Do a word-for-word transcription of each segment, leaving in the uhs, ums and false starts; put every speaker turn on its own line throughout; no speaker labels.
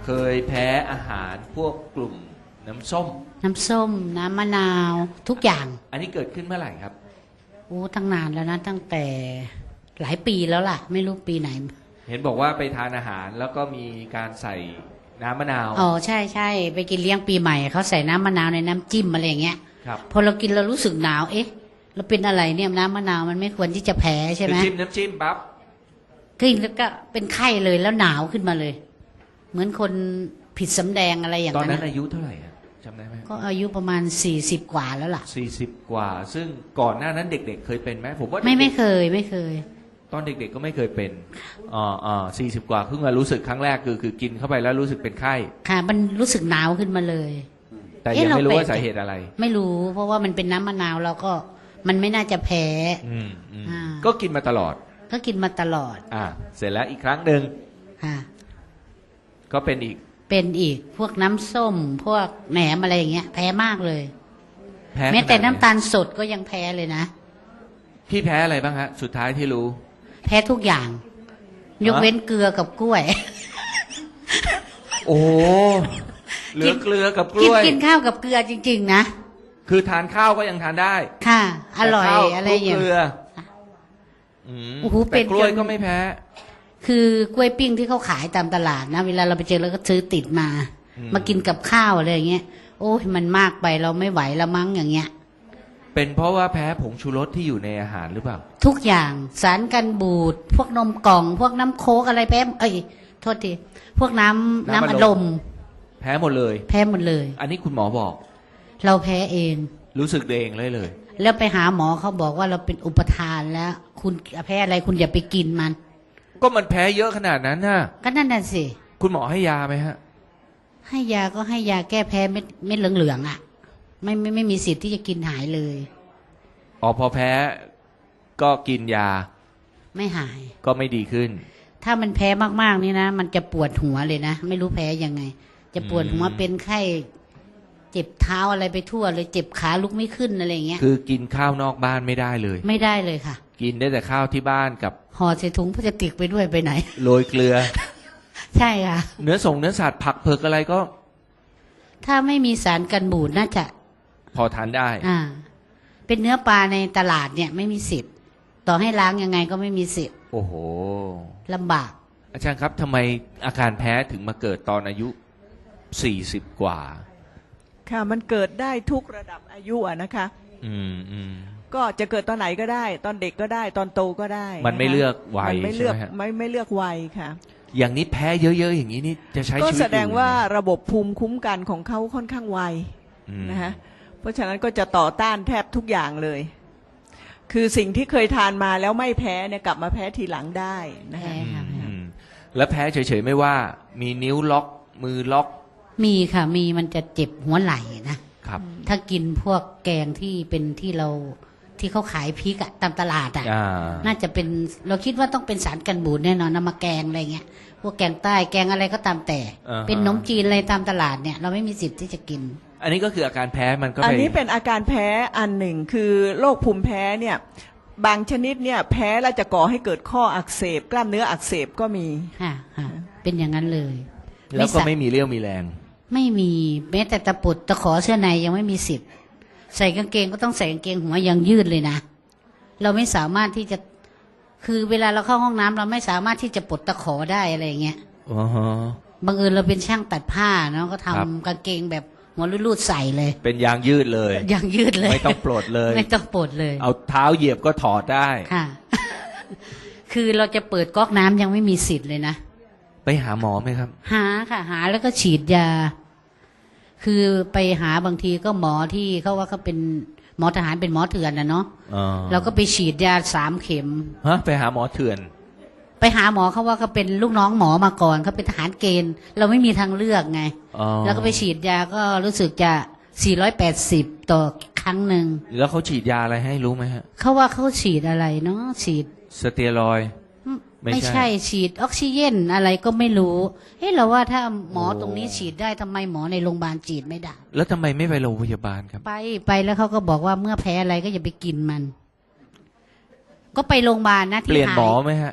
เคยแพ้อาหารพวกกลุ่มน้ำส้ม
น้ำส้มน้ำมะนาวทุกอย่าง
อันนี้เกิดขึ้นเมื่อไหร่ครับ
โอ้ตั้งนานแล้วนะตั้งแต่หลายปีแล้วล่ะไม่รู้ปีไหน
เห็นบอกว่าไปทานอาหารแล้วก็มีการใส่น้ำมะนาว
อ๋อใช่ใช่ไปกินเลี้ยงปีใหม่เขาใส่น้ำมะนาวในน้ำจิ้มอะไรอย่างเงี้ย
ครับ
พอเรากินเรารู้สึกหนาวเอ๊ะเราเป็นอะไรเนี่ยน้ำมะนาวมันไม่ควรที่จะแพ้ใช่ไหม
จิ้มน้ำจิ้มปั๊บ
กินแล้วก็เป็นไข้เลยแล้วหนาวขึ้นมาเลยเหมือนคนผิดสำแดงอะไรอย่าง
นั้นตอน
นั้
นั้นอายุเท่าไหร่จำได้ไหม
ก็อายุประมาณสี่สิบกว่าแล้วล่ะ
สี่สิบกว่าซึ่งก่อนหน้านั้นเด็กๆเคยเป็นไหมผมว่า
ไม่ไม่เคยไม่เคย
ตอนเด็กๆก็ไม่เคยเป็นอ๋ออ๋อสี่สิบกว่าเพิ่งมารู้สึกครั้งแรกคือคือกินเข้าไปแล้วรู้สึกเป็นไข้
ค่ะมันรู้สึกหนาวขึ้นมาเลย
แต่ยังไม่รู้ว่าสาเหตุอะไร
ไม่รู้เพราะว่ามันเป็นน้ำมะนาวเราก็มันไม่น่าจะแพ้
ก็กินมาตลอด
ก็กินมาตลอด
อ่าเสร็จแล้วอีกครั้งหนึ่ง
ค่ะ
ก็เป็นอีก
เป็นอีกพวกน้ำส้มพวกแหนมอะไรอย่างเงี้ยแพ้มากเลยแม้แต่น้ำตาลสดก็ยังแพ้เลยนะ
พี่แพ้อะไรบ้างฮะสุดท้ายที่รู้
แพ้ทุกอย่างยกเว้นเกลือกับกล้วย
โอ้เหลือเกลือกับกล้วย
กินข้าวกับเกลือจริงๆนะ
คือทานข้าวก็ยังทานได้
ค่ะอร่อยอะไรอย่างเงี้ย
โอ้โหแต่กล้วยก็ไม่แพ้
คือกล้วยปิ้งที่เขาขายตามตลาดนะเวลาเราไปเจอเราก็ซื้อติดมามากินกับข้าวอะไรอย่างเงี้ยโอ้ยมันมากไปเราไม่ไหวละมั้งอย่างเงี้ย
เป็นเพราะว่าแพ้ผงชูรสที่อยู่ในอาหารหรือเปล่า
ทุกอย่างสารกันบูดพวกนมกล่องพวกน้ำโค้กอะไรแพ้เอ้ยโทษทีพวกน้ำน้ำอัดลม
แพ้หมดเลย
แพ้หมดเลย
อันนี้คุณหมอบอก
เราแพ้เอง
รู้สึกเองเลยเลย
แล้วไปหาหมอเขาบอกว่าเราเป็นอุปทานแล้วคุณแพ้อะไรคุณอย่าไปกินมัน
ก็มันแพ้เยอะขนาดนั้นน่ะ
ก็นั่นน่ะสิ
คุณหมอให้ยาไหมฮะ
ให้ยาก็ให้ยาแก้แพ้เม็ดเม็ดเหลืองๆอ่ะไม่ไม่ไม่มีสิทธิ์ที่จะกินหายเลย
อ๋อพอแพ้ก็กินยา
ไม่หาย
ก็ไม่ดีขึ้น
ถ้ามันแพ้มากๆนี่นะมันจะปวดหัวเลยนะไม่รู้แพ้ยังไงจะปวดหัวเป็นไข้เจ็บเท้าอะไรไปทั่วเลยเจ็บขาลุกไม่ขึ้นอะไรอย่างเงี้ย
คือกินข้าวนอกบ้านไม่ได้เลย
ไม่ได้เลยค่ะ
กินได้แต่ข้าวที่บ้านกับ
ห่อใส่ถุงพลาสติกไปด้วยไปไหน
โรยเกลือ
ใช่ค่ะ
เนื้อส่งเนื้อสัตว์ผักเผือกอะไรก็
ถ้าไม่มีสารกันบูดน่าจะ
พอทานได้
อ่าเป็นเนื้อปลาในตลาดเนี่ยไม่มีสิทธิ์ต่อให้ล้างยังไงก็ไม่มีสิทธิ์
โอ้โห
ลำบาก
อาจารย์ครับทำไมอาการแพ้ถึงมาเกิดตอนอายุสี่สิบกว่า
ค่ะมันเกิดได้ทุกระดับอายุอะนะคะ
อืมอืม
ก็จะเกิดตอนไหนก็ได้ตอนเด็กก็ได้ตอนโตก็ได้
มันไม่เลือกวัย
มันไม่เลือกไม่ไม่เลือกวัยค่ะ
อย่างนี้แพ้เยอะๆอย่างนี้นี่จะใช้ชีวิตก็
แสดงว่าระบบภูมิคุ้มกันของเขาค่อนข้างไวนะคะเพราะฉะนั้นก็จะต่อต้านแทบทุกอย่างเลยคือสิ่งที่เคยทานมาแล้วไม่แพ้เนี่ยกลับมาแพ้ทีหลังได้นะคะ
แล้วแพ้เฉยๆไม่ว่ามีนิ้วล็อกมือล็อก
มีค่ะมีมันจะเจ็บหัวไหล่นะครับถ้ากินพวกแกงที่เป็นที่เราที่เขาขายพริกอะตามตลาดอะน่าจะเป็นเราคิดว่าต้องเป็นสารกันบูดแน่นอนนำมาแกงอะไรเงี้ยพวกแกงใต้แกงอะไรก็ตามแต่เป็นขนมจีนอะไรตามตลาดเนี่ยเราไม่มีสิทธิ์ที่จะกิน
อันนี้ก็คืออาการแพ้มันก็
อันนี้เป็นอาการแพ้อันหนึ่งคือโรคภูมิแพ้เนี่ยบางชนิดเนี่ยแพ้แล้วจะก่อให้เกิดข้ออักเสบกล้ามเนื้ออักเสบก็มี
ค่ะเป็นอย่างนั้นเลย
แล้วก็ไม่มีเรี่ยวมีแรง
ไม่มีแม้แต่ตะปุดตะขอเสื้อในยังไม่มีสิทธิ์ใส่กางเกงก็ต้องใส่กางเกงหัวยังยืดเลยนะเราไม่สามารถที่จะคือเวลาเราเข้าห้องน้ำเราไม่สามารถที่จะปลดตะขอได้อะไรอย่างเงี้ย
อ๋อฮะ
บังเอิญเราเป็นช่างตัดผ้าเนาะก็ทำกางเกงแบบหัวรูดๆใส่เลย
เป็นยางยืดเลย
ยางยืดเลย
ไม่ต้องปลดเลย
ไม่ต้องปลดเลย
เอาเท้าเหยียบก็ถอดได้
ค่ะ คือเราจะเปิดก๊อกน้ำยังไม่มีสิทธิ์เลยนะ
ไปหาหมอไหมครับ
หาค่ะหาแล้วก็ฉีดยาคือไปหาบางทีก็หมอที่เขาว่าเขาเป็นหมอทหารเป็นหมอเถื่อนนะเนาะเราก็ไปฉีดยาสามเข็ม
ฮะไปหาหมอเถื่อน
ไปหาหมอเขาว่าเขาเป็นลูกน้องหมอมาก่อนเขาเป็นทหารเกณฑ์เราไม่มีทางเลือกไงแล้วก็ไปฉีดยาก็รู้สึกจะสี่ร้อยแปดสิบต่อครั้งหนึ่ง
แล้วเขาฉีดยาอะไรให้รู้ไหมฮะ
เขาว่าเขาฉีดอะไรเนาะฉีด
สเตียรอยด์
ไม่ใช่ฉีดออกซิเจนอะไรก็ไม่รู้เฮ้ยเราว่าถ้าหมอตรงนี้ฉีดได้ทำไมหมอในโรงพยาบาลฉีดไม่ได้
แล้วทำไมไม่ไปโรงพยาบาลครับ
ไปไปแล้วเขาก็บอกว่าเมื่อแพ้อะไรก็อย่าไปกินมันก็ไปโรงพยาบาลนะที่
เปลี่ยนหมอไหมฮะ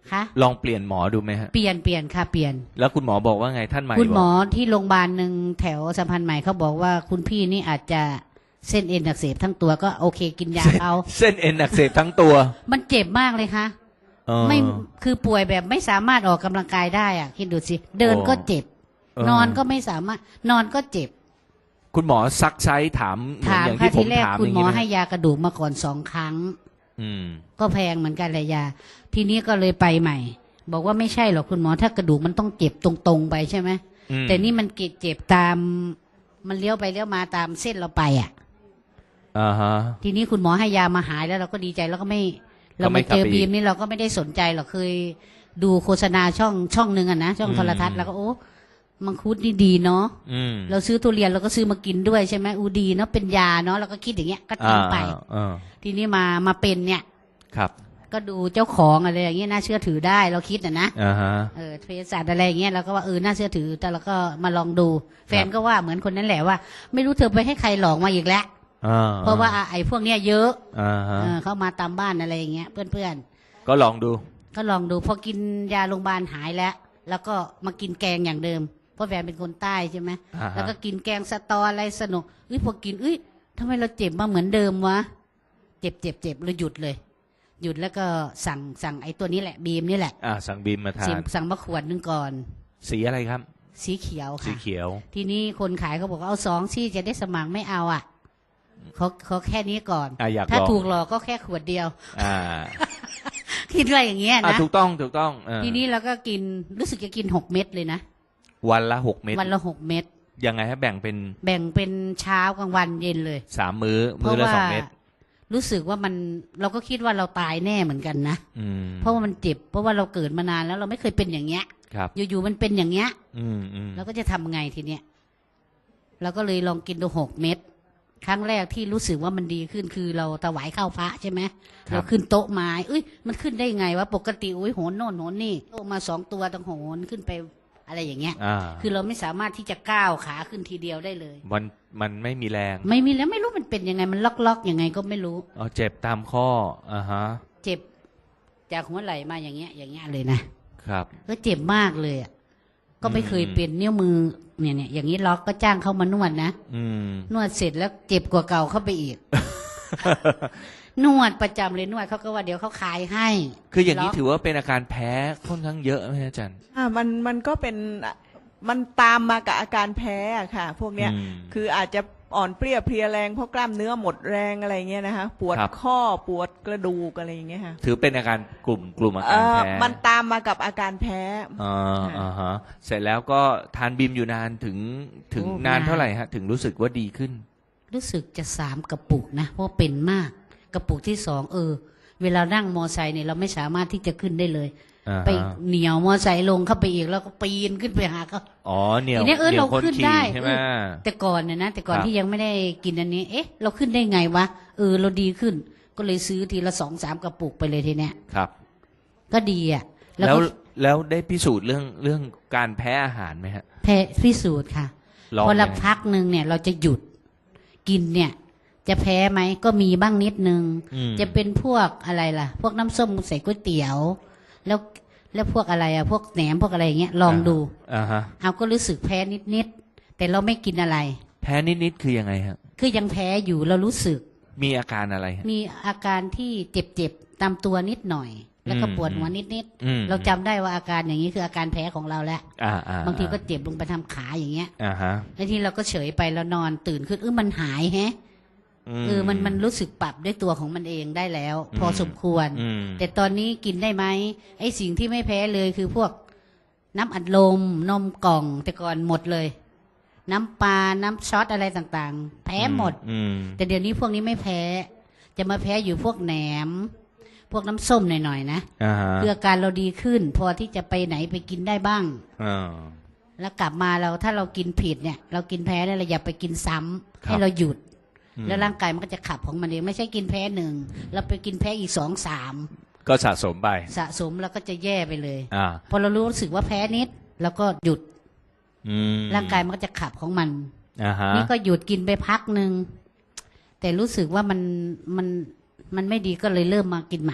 คะ
ลองเปลี่ยนหมอดูไหมฮะ
เปลี่ยนเปลี่ยนค่ะเปลี่ยน
แล้วคุณหมอบอกว่าไงท่านใหม่
คุณหม
บ
อ
อก
ที่โรงพยาบาลหนึ่งแถวสัมพันธ์ใหม่เขาบอกว่าคุณพี่นี่อาจจะเส้นเอ็นอักเสบทั้งตัวก็โอเคกินยาเขา
เส้นเอ็นอักเสบทั้งตัว
มันเจ็บมากเลยค่ะ
เออ
ไม่คือป่วยแบบไม่สามารถออกกำลังกายได้อ่ะคิดดูสิเดินก็เจ็บ
เออ
นอนก็ไม่สามารถนอนก็เจ็บ
คุณหมอซักไซส์ถามเหมือน
ถาม
อย่าง
ค่ะ
ที่ผ
ที
ม
แรก
ถาม
คุ
อ
ณ
ย่าง
หมอ
นี้ไหม
ให้ยากระดูกมาก่อนสองครั้ง
อืม
ก็แพงเหมือนกันเลยยา ทีนี้ก็เลยไปใหม่ บอกว่าไม่ใช่หรอกคุณหมอถ้ากระดูกมันต้องเจ็บตรงๆไปใช่ไหม
อืม
แต่นี่มันเจ็บตามมันเลี้ยวไปเลี้ยวมาตามเส้นเราไปอ่ะ
อ่าฮะ
ทีนี้คุณหมอให้ยามาหายแล้วเราก็ดีใจแล้วก็ไม่
ก็
เรา
ไม่
มาก
ลับ
เจอ
ไปอีก
บีมนี่เราก็ไม่ได้สนใจหรอกเคยดูโฆษณาช่องช่องหนึ่งอะนะช่องโทรทัศน์แล้วก็โอ้มังคุดนี่ดีเนาะ
อืม
เราซื้อทุเรียนเราก็ซื้อมากินด้วยใช่ไหมอูดีเนาะเป็นยาเนาะเราก็คิดอย่างเงี้ยก็
อ่า
ทำไป
อ่า
ทีนี้มามาเป็นเนี่ย
ครับ
ก็ดูเจ้าของอะไรอย่างเงี้ยน่าเชื่อถือได้เราคิดนะนะ
อ่าฮะ
เออเภสัชอะไรอย่างเงี้ยเราก็ว่าเออน่าเชื่อถือแต่เราก็มาลองดู แฟนก็ว่าเหมือนคนนั้นแหละว่า ไม่รู้เธอไปให้ใครหลอกมาอีกแล้ว
อ่า
เพราะว่าไอ้พวกเนี้ยเยอะ
อ่าฮะ
เออเข้ามาตามบ้านอะไรอย่างเงี้ยเพื่อน
ก็ลองดู
ๆก็ลองดูพอกินยาโรงพยาบาลหายแล้ว แล้วก็มากินแกงอย่างเดิมเพราะแฟนเป็นคนใต้ใช่ไหม
อ่าฮะ
แล้วก็กินแกงสะตออะไรสนุกเอ้ยพอกินเอ้ยทำไมเราเจ็บมาเหมือนเดิมวะเจ็บเจ็บเจ็บเราหยุดเลย หยุดแล้วก็สั่งสั่งไอ้ตัวนี้แหละบีมนี่แหละ
อ่าสั่งบีมมาทา
สั่ง
น
สั่งมาขวดหนึงก่อน
สีอะไรครับ
สีเขียว
สี
ค่ะ
เขียว
ทีนี้คนขายเขาบอกว่าเอาสองซี่จะได้สมัครไม่เอาอ่ะเขาเขาแค่นี้ก่อน
อ่ะอยาก
ถ้า
ลอง
ถูกหลอกก็แค่ขวดเดียว
อ่า
คิดอะไรอย่างเงี้ย
อ่า
นะ
ถูกต้องถูกต้องเออ
ทีนี้เราก็กินรู้สึกจะกินหกเม็ดเลยนะ
วันละหกเม็ด
วันละหกเม็ด
ยังไงฮะแบ่งเป็น
แบ่งเป็นเช้ากลางวันเย็นเลย
สามมื้อ
เพ
มื้อ
ราะ
ละ
ว่า
สองเม็ด
รู้สึกว่ามันเราก็คิดว่าเราตายแน่เหมือนกันนะ
อืม
เพราะว่ามันเจ็บ เพราะว่าเราเกิดมานานแล้วเราไม่เคยเป็นอย่างเงี้ย
ครับ
อยู่ๆมันเป็นอย่างเงี้ย
อืมอืม
เราก็จะทำไงทีเนี้ยเราก็เลยลองกินดูหกเม็ดครั้งแรกที่รู้สึกว่ามันดีขึ้นคือเราถวายข้าวพระใช่ไหมเราขึ้นโต๊ะไม้เอ้ยมันขึ้นได้ไงวะปกติอุ้ยโหนโน่นโหนนี่โต๊ะมาสองตัวต้องโหนขึ้นไปอะไรอย่างเงี้ย
อ่า
คือเราไม่สามารถที่จะก้าวขาขึ้นทีเดียวได้เลย
มันมันไม่มีแรง
ไม่มีแล้วไม่รู้มันเป็นยังไงมันล็อกๆยังไงก็ไม่รู้
อ๋อเจ็บตามข้ออ่าฮะ
เจ็บจากหัวไหล่มาอย่างเงี้ย อย่างเงี้ยเลยนะครับ ก็เจ็บมากเลยอ่ะก็ไม่เคยเป็นนิ้วมือเนี่ยเนี่ยอย่างนี้ล็อกก็จ้างเขามานวดนะ
อืม
นวดเสร็จแล้วเจ็บกว่าเก่าเข้าไปอีก นวดประจำเลยนวดเขาก็ว่าเดี๋ยวเขาขายให้
คืออย่างนี้
ล็ก
ถือว่าเป็นอาการแพ้ค่อนข้างเยอะไหมอาจารย์
อ่ามันมันก็เป็นมันตามมากับอาการแพ้อะค่ะ พวกเนี้ย
อืม
คืออาจจะอ่อนเปรี้ยเพลียแรงเพราะกล้ามเนื้อหมดแรงอะไรเงี้ยนะคะปวด
ครับ
ข้อปวดกระดูกอะไรอย่างเงี้ยค่ะ
ถือเป็นอาการกลุ่มกลุ่มอา
เอ่
การ
อ
แพ้
มันตามมากับอาการแพ้
อ่าอ่าฮะเสร็จแล้วก็ทานบีมอยู่นานถึงถึงนานเท่าไหร่ฮะ ถึงรู้สึกว่าดีขึ้น
รู้สึกจะสามกระปุกนะเพราะเป็นมากกระปุกที่สองเออ เวลานั่งมอไซค์เนี่ยเราไม่สามารถที่จะขึ้นได้เลย
อ่าฮะ
ไปเหนียวมอไซค์ลงเข้าไปอีกแล้วก็ปีนขึ้นไปหาเขา
อ๋อเหนียว
ทีนี้เออ
หนียว
เรา
คน
ขึ้น
ขี่
ได้
ใช่ไหม
เออ แต่ก่อนเนี่ยนะแต่ก่อน
ครับ
ที่ยังไม่ได้กินอันนี้ เอ๊ะ เราขึ้นได้ไงวะเออเราดีขึ้น ก็เลยซื้อทีละสองสามกระปุกไปเลยทีเนี้ย
ครับ
ก็ดีอ่ะ แล้ว
แล้ว
ก็
แล้วได้พิสูจน์เรื่องเรื่องการแพ้อาหารไหมฮะ
แพ้พิสูจน์ค่ะ
ลอง
พอละ
ไหม
พักหนึ่งเนี่ย เราจะหยุดกินเนี่ย จะแพ้ไหมก็มีบ้างนิดนึง
อืม
จะเป็นพวกอะไรล่ะ พวกน้ำส้มใส่ก๋วยเตี๋ยว แล้วแล้วพวกอะไรอ่ะพวกแหนมพวกอะไรอย่างเงี้ยลองดู
อ่าฮะ
เอาก็รู้สึกแพ้นิดๆแต่เราไม่กินอะไร
แพ้นิดๆคือยังไงฮะ
คือยังแพ้อยู่เรารู้สึก
มีอาการอะไรฮะ
มีอาการที่เจ็บๆตามตัวนิดหน่อย แล้วก็
อืม
ปวดหัวนิด
อืม
ๆเราจำได้ว่าอาการอย่างนี้คืออาการแพ้ของเราแล้ว
อ่าอ่า
บางทีก็เจ็บลงไปทำขาอย่างเงี้ย
อ่าฮะ
แล้วทีเราก็เฉยไปแล้วนอนตื่นขึ้นเออมันหายแฮะเออมันมันรู้สึกปรับด้วยตัวของมันเองได้แล้ว พอสมควร
อืม
แต่ตอนนี้กินได้ไหมไอ้สิ่งที่ไม่แพ้เลยคือพวกน้ำอัดลมนมกล่อง แต่ก่อนหมดเลย น้ำปลาน้ำช็อตอะไรต่างๆ แพ้หมด
อืม
แต่เดี๋ยวนี้พวกนี้ไม่แพ้ จะมาแพ้อยู่พวกแหนม พวกน้ำส้มหน่อยๆนะ
อ่าฮะ
คืออาการเราดีขึ้น พอที่จะไปไหนไปกินได้บ้าง
อ่า
แล้วกลับมาเราถ้าเรากินผิดเนี่ย เรากินแพ้เนี่ยเราอย่าไปกินซ้ำ
ครับ
ให้เราหยุด
อืม
แล้วร่างกายมันก็จะขับของมันเองไม่ใช่กินแพ้หนึ่งเราไปกินแพ้อีกสองสาม
ก็สะสมไป
สะสมแล้วก็จะแย่ไปเลย
อ่า
พอเรารู้สึกว่าแพ้นิดแล้วก็หยุด
อืม
ร่างกายมันก็จะขับของมัน
อ่าฮะ
นี่ก็หยุดกินไปพักหนึ่งแต่รู้สึกว่ามันมันมันไม่ดีก็เลยเริ่มมากินใหม่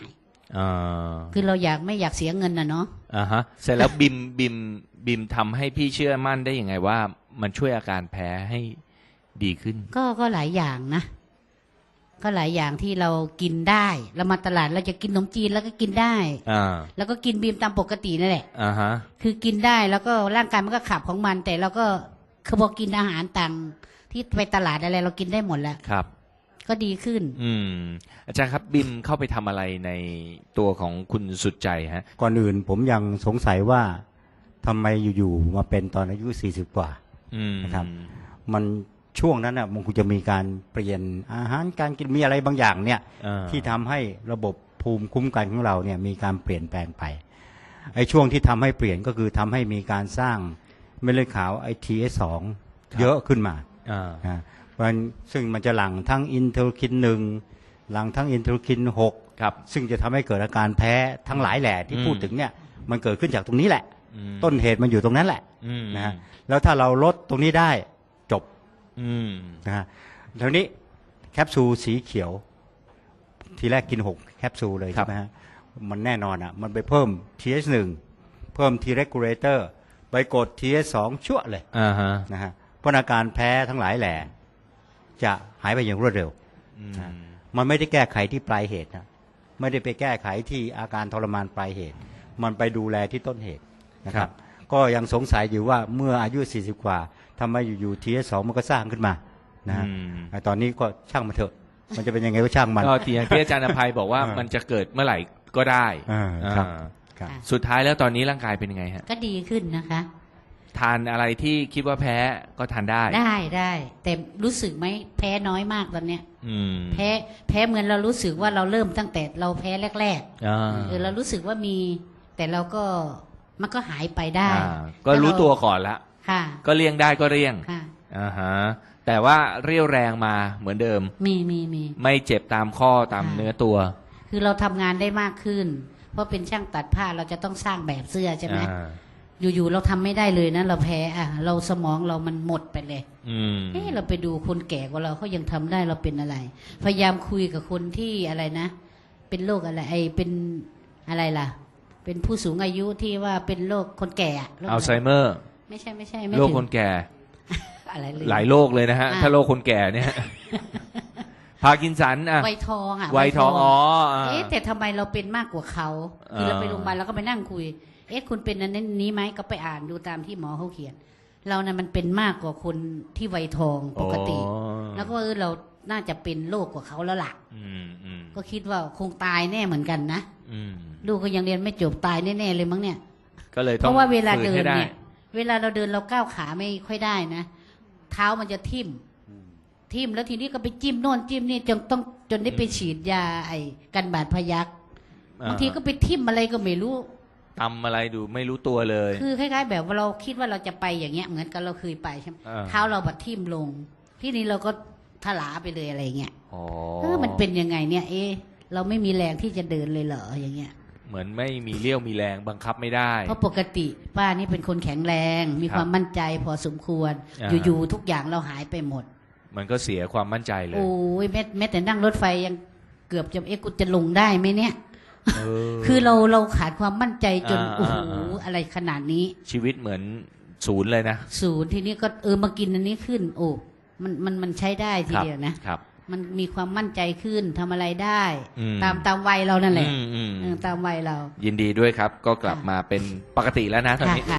อ่า
คือเราอยากไม่อยากเสียเงินนะเนาะ
อ่าฮะเสร็จแล้วบิมบิมบิมทำให้พี่เชื่อมั่นได้ยังไงว่ามันช่วยอาการแพ้ให้ดีขึ้น
ก็ก็หลายอย่างนะ ก็หลายอย่างที่เรากินได้เรามาตลาดเราจะกินขนมจีนแล้วก็กินได้
อ่า
แล้วก็กินบีมตามปกตินั่นแหละ
อ่าฮะ
คือกินได้แล้วก็ร่างกายมันก็ขับของมัน แต่เราก็คือพอกินอาหารต่างที่ไปตลาดอะไรเรากินได้หมดแล้ว
ครับ
ก็ดีขึ้น
อืมอาจารย์ครับบิมเข้าไปทำอะไรในตัวของคุณสุดใจฮะ
ก่อนอื่นผมยังสงสัยว่าทำไมอยู่ๆมาเป็นตอนอายุสี่สิบกว่า
อืม
นะครับ มันช่วงนั้นอ่ะมันคงจะมีการเปลี่ยนอาหารการกินมีอะไรบางอย่างเนี่ย
อ่า
ที่ทำให้ระบบภูมิคุ้มกันของเราเนี่ยมีการเปลี่ยนแปลงไปไอ้ช่วงที่ทำให้เปลี่ยนก็คือทำให้มีการสร้างเม็ดเลือดขาวไอทีเอสสองเยอะขึ้นมา
อ่า
นะเพราะฉะนั้นซึ่งมันจะหลั่งทั้งอินเทอร์คินหนึ่งหลั่งทั้งอินเทอร์คินหก
ครับ
ซึ่งจะทำให้เกิดอาการแพ้ทั้งหลายแหล่ที่
อืม
พูดถึงเนี่ยมันเกิดขึ้นจากตรงนี้แหละ
อืม
ต้นเหตุมันอยู่ตรงนั้นแหละ
อืม
นะฮะแล้วถ้าเราลดตรงนี้ได้จบ
อืม
นะฮะทีนี้แคปซูลสีเขียว ทีแรกกินหกแคปซูลเลยใช่ไหมฮะมันแน่นอนอ่ะมันไปเพิ่ม ที เอช หนึ่ง เพิ่ม T regulator ไปกด ที เอช สอง ชั่วเลย
อ่าฮะ
นะฮะเพราะอาการแพ้ทั้งหลายแหล่จะหายไปอย่างรวดเร็ว
อืม
มันไม่ได้แก้ไขที่ปลายเหตุนะไม่ได้ไปแก้ไขที่อาการทรมานปลายเหตุ มันไปดูแลที่ต้นเหตุนะครับ ก็ยังสงสัยอยู่ว่าเมื่ออายุสี่สิบกว่าทำไมอยู่ๆ ที เอช สอง มันก็สร้างขึ้นมานะฮะ
อืม
ไอ้ตอนนี้ก็ช่างมันเถอะ มันจะเป็นยังไงก็ช่างมัน
ก็ที่อย่างที่อาจารย์อภัยบอกว่า
อ่ามั
มันจะเกิดเมื่อไหร่ก็ได้
อ่าครับ
อ่า
ครับ
ค่ะ
สุดท้ายแล้วตอนนี้ร่างกายเป็นยังไงฮะ
ก็ดีขึ้นนะคะ
ทานอะไรที่คิดว่าแพ้ก็ทานได้
ได้ได้แต่รู้สึกไหมแพ้น้อยมากตอนเนี้ย
อืม
แพ้แพ้เหมือนเรารู้สึกว่าเราเริ่มตั้งแต่เราแพ้แรก
อ่า
ๆเออเรารู้สึกว่ามี แต่เราก็มันก็หายไปได้
อ่าก็รู้ตัวก่อนละ
ค่ะ
ก็เลี่ยงได้ก็เลี่ยง
ค่ะ
อ่าฮะแต่ว่าเรี่ยวแรงมาเหมือนเดิม
มีมีมี
ไม่เจ็บตามข้อตาม
ค่ะ
เนื้อตัว
คือเราทำงานได้มากขึ้น เพราะเป็นช่างตัดผ้าเราจะต้องสร้างแบบเสื้อใช่ไหม
อ่า
อยู่ๆเราทำไม่ได้เลยนะเราแพ้อ่ะเราสมองเรามันหมดไปเลย
อืม
เอ๊ะเราไปดูคนแก่กว่าเราเขายังทำได้เราเป็นอะไร พยายามคุยกับคนที่อะไรนะ เป็นโรคอะไรไอเป็นอะไรล่ะ เป็นผู้สูงอายุที่ว่าเป็นโรคคนแก่อะโรคะร
อัลไซเมอร์
ไม่ใช่ไม่ใช่ไม่
โรค
ถึง
คนแก่
อะไรเลย
หลายโรคเลยนะฮะ
อ่า
ถ้าโรคคนแก่เนี่ย พาร์กินสันอ่ะ
ไวทองอ่ะ
ไวทองอ๋ออ่า
เอ๊ะแต่ทำไมเราเป็นมากกว่าเขาคือเราไปโรงพยาบาลเราก็ไปนั่งคุย เอ๊ะคุณเป็นอันนั้นนี้ไหมก็ไปอ่านดูตามที่หมอเขาเขียน เรานะ่ะมันเป็นมากกว่าคนที่ไวทองปกติ
อ๋อ
แล้วก็เออเราน่าจะเป็นโรคกว่าเขาแล้วล่ะ
อืมอืม
ก็คิดว่าคงตายแน่เหมือนกันนะ
อืม
ลูกก็ยังเรียนไม่จบตายแน่ๆเลยมั้งเนี่ย
ก็เลยต้
เพ
อง
ราะว่าเวลา
ฝื
เดิน
ให้ไ
เนี่ย เวลาเราเดินเราก้าวขาไม่ค่อยได้นะ เท้ามันจะทิ่มทิ่มแล้วทีนี้ก็ไปจิ้มโน่นจิ้มนี่จนต้องจนได้ไปฉีดยาไอ้กันบาดพยัก
อ่า
บางทีก็ไปทิ่มอะไรก็ไม่รู้
ทำอะไรดูไม่รู้ตัวเลย
คือคล้ายๆ แบบว่าเราคิดว่าเราจะไปอย่างเงี้ยเหมือนกับเราเคยไปใช่ไหม
อ่า
เท้าเราบัดทิ่มลง ที่นี้เราก็ถลาไปเลยอะไรเงี้ย
อ๋อ
เออมันเป็นยังไงเนี่ย เอ๊ะเราไม่มีแรงที่จะเดินเลยเหรออย่างเงี้ย
เหมือนไม่มีเลี้ยวมีแรงบังคับไม่ได้
เพราะปกติป้านี่เป็นคนแข็งแรง มี
ครับ
ความมั่นใจพอสมควร
อ่า
อยู่ๆทุกอย่างเราหายไปหมด
มันก็เสียความมั่นใจเลย
โอ้ยแม้แม้แต่นั่งรถไฟยังเกือบจะเอ๊ะกูจะลงได้ไหมเนี่ย
เออ
คือเราเราขาดความมั่นใจจน
อ่า
โอ้โห
อ่า
อะไรขนาดนี้
ชีวิตเหมือนศูนย์เลยนะ
ศูนย์ทีนี้ก็เออมากินอันนี้ขึ้น โอ้มันมันมันใช้ได้ที
ครับ
เดียวนะ
ครับ
มันมีความมั่นใจขึ้นทำอะไรได้
อืม
ตามตามวัยเรานั่นแหละ
อืมอืม
เออตามวัยเรา
ยินดีด้วยครับ ก็กลับมาเป็นปกติแล้วนะตอนนี้
ค่ะ